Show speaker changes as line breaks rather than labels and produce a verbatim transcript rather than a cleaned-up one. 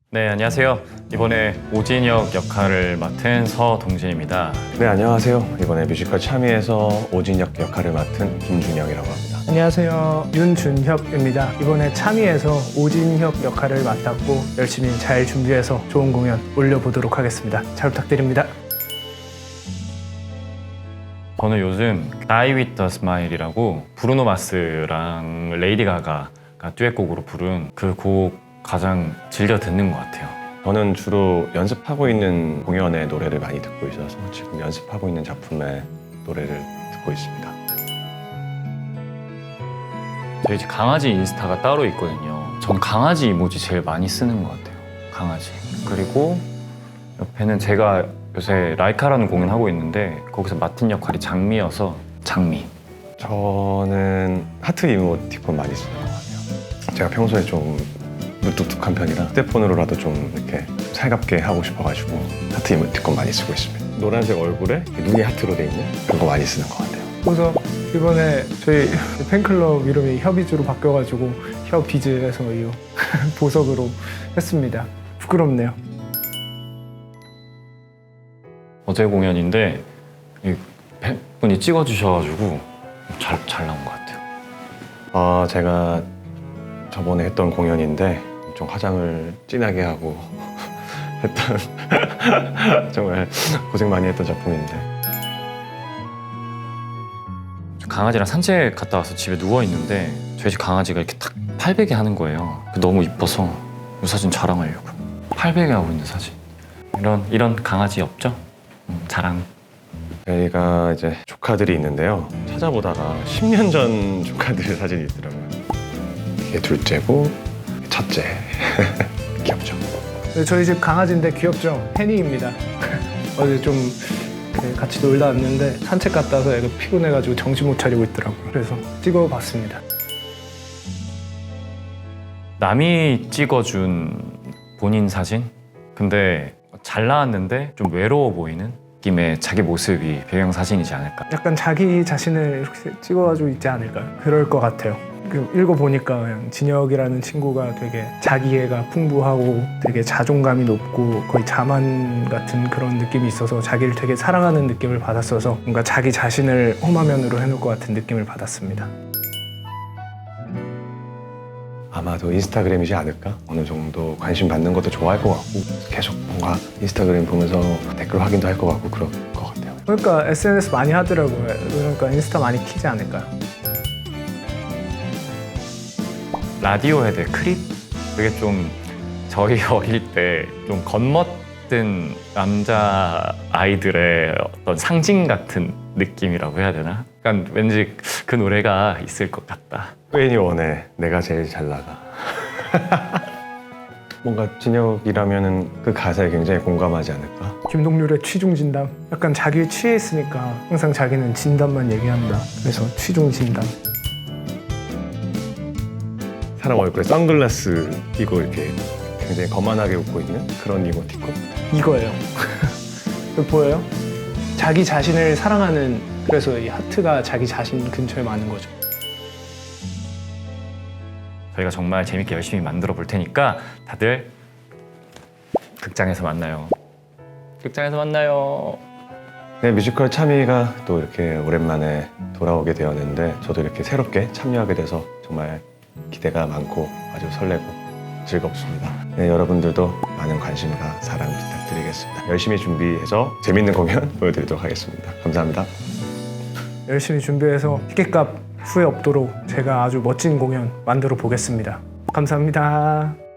네, 안녕하세요. 이번에 오진혁 역할을 맡은 서동진입니다.
네, 안녕하세요. 이번에 뮤지컬 참여에서 오진혁 역할을 맡은 김준혁이라고 합니다.
안녕하세요. 윤준혁입니다. 이번에 참여해서 오진혁 역할을 맡았고 열심히 잘 준비해서 좋은 공연 올려보도록 하겠습니다. 잘 부탁드립니다.
저는 요즘 Die With A Smile이라고 브루노 마스랑 레이디 가가가 듀엣곡으로 부른 그 곡 가장 즐겨 듣는 것 같아요.
저는 주로 연습하고 있는 공연의 노래를 많이 듣고 있어서 지금 연습하고 있는 작품의 노래를 듣고 있습니다.
저희 집 강아지 인스타가 따로 있거든요. 전 강아지 이모지 제일 많이 쓰는 것 같아요. 강아지. 그리고 옆에는 제가 요새 라이카라는 공연 하고 있는데 거기서 맡은 역할이 장미여서 장미.
저는 하트 이모티콘 많이 쓰는 것 같아요. 제가 평소에 좀 무뚝뚝한 편이라 휴대폰으로라도 좀 이렇게 살갑게 하고 싶어가지고 하트 이모티콘 많이 쓰고 있습니다. 노란색 얼굴에 눈이 하트로 돼 있는 그런 거 많이 쓰는 것 같아요.
그래서 이번에 저희 팬클럽 이름이 협이즈로 바뀌어가지고 협비즈에서 이 보석으로 했습니다. 부끄럽네요.
어제 공연인데 이 팬분이 찍어주셔가지고 잘, 잘 나온 것 같아요.
아, 제가 저번에 했던 공연인데 좀 화장을 진하게 하고 했던 정말 고생 많이 했던 작품인데
강아지랑 산책 갔다 와서 집에 누워있는데 저희 집 강아지가 이렇게 탁 팔베개 하는 거예요. 너무 이뻐서 이 사진 자랑하려고. 팔베개 하고 있는 사진. 이런, 이런 강아지 없죠? 음, 자랑.
저희가 이제 조카들이 있는데요. 찾아보다가 십 년 전 조카들 사진이 있더라고요. 이게 둘째고 첫째. 귀엽죠?
네, 저희 집 강아지인데 귀엽죠? 해니입니다. 어제 좀 같이 놀다 왔는데 산책 갔다 와서 애가 피곤해가지고 정신 못 차리고 있더라고요. 그래서 찍어봤습니다.
남이 찍어준 본인 사진? 근데 잘 나왔는데 좀 외로워 보이는 느낌의 자기 모습이 배경 사진이지 않을까.
약간 자기 자신을 이렇게 찍어가지고 있지 않을까요? 그럴 것 같아요. 그 읽어보니까 그냥 진혁이라는 친구가 되게 자기애가 풍부하고 되게 자존감이 높고 거의 자만 같은 그런 느낌이 있어서 자기를 되게 사랑하는 느낌을 받았어서 뭔가 자기 자신을 홈화면으로 해놓을 것 같은 느낌을 받았습니다.
아마도 인스타그램이지 않을까? 어느 정도 관심 받는 것도 좋아할 것 같고 계속 뭔가 인스타그램 보면서 댓글 확인도 할 것 같고 그럴 것 같아요.
그러니까 에스엔에스 많이 하더라고요. 그러니까 인스타 많이 키지 않을까요?
라디오헤드의 크립? 그게 좀 저희 어릴 때 좀 겉멋든 남자 아이들의 어떤 상징 같은 느낌이라고 해야 되나? 약간 왠지 그 노래가 있을 것 같다.
트웬티원에 내가 제일 잘 나가. 뭔가 진혁이라면은 그 가사에 굉장히 공감하지 않을까?
김동률의 취중 진담. 약간 자기에 취해 있으니까 항상 자기는 진담만 얘기한다. 그래서 취중 진담.
사람 얼굴에 선글라스 끼고 이렇게 굉장히 거만하게 웃고 있는 그런 이모티콘?
이거예요. 이거 보여요? 자기 자신을 사랑하는, 그래서 이 하트가 자기 자신 근처에 많은 거죠.
저희가 정말 재밌게 열심히 만들어 볼 테니까 다들 극장에서 만나요. 극장에서 만나요.
네, 뮤지컬 참여가 또 이렇게 오랜만에 돌아오게 되었는데 저도 이렇게 새롭게 참여하게 돼서 정말 기대가 많고 아주 설레고 즐겁습니다. 네, 여러분들도 많은 관심과 사랑 부탁드리겠습니다. 열심히 준비해서 재밌는 공연 보여드리도록 하겠습니다. 감사합니다.
열심히 준비해서 티켓값 후회 없도록 제가 아주 멋진 공연 만들어 보겠습니다. 감사합니다.